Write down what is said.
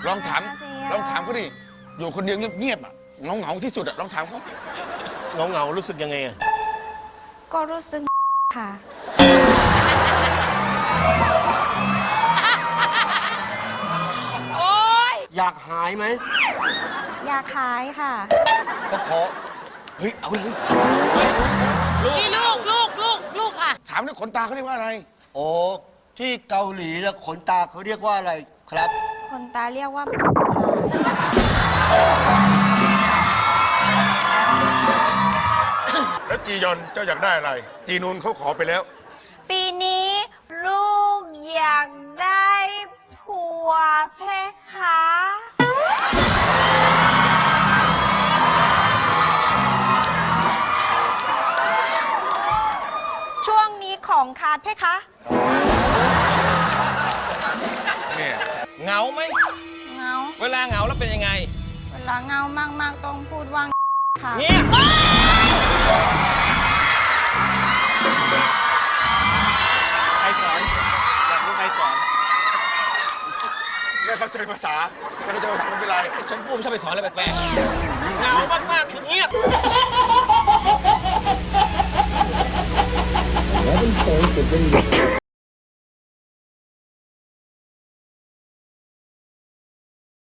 ลองถามเขาดิอยู่คนเดียวเงียบๆอ่ะเหงาที่สุดอ่ะลองถามเขาเหงารู้สึกยังไงอะก็รู้สึกค่ะอยากหายไหมอยากหายค่ะก็ขอเฮ้ยเอาเลยนี่ลูกค่ะถามด้วยขนตาเขาเรียกว่าอะไรโอ้ที่เกาหลีแล้วขนตาเขาเรียกว่าอะไรครับคนตาเรียกว่าแล้วจียอนเจ้าอยากได้อะไร จีนูนเขาขอไปแล้วปีนี้ลูกอยากได้ผัวเพคะช่วงนี้ของขาดเพคะเนี่ยเหงาไหมเงาเวลาเหงาแล้วเป็นยังไงเวลาเงามากๆต้องพูดว่าค่ะเงียบใครสอนอยากรู้ใครสอนไม่เข้าใจภาษาไม่เข้าใจภาษาไม่เป็นไรชมพู่ชอบไปสอนอะไรแปลกๆเหงามากๆคือเงียบ Robin Ford had been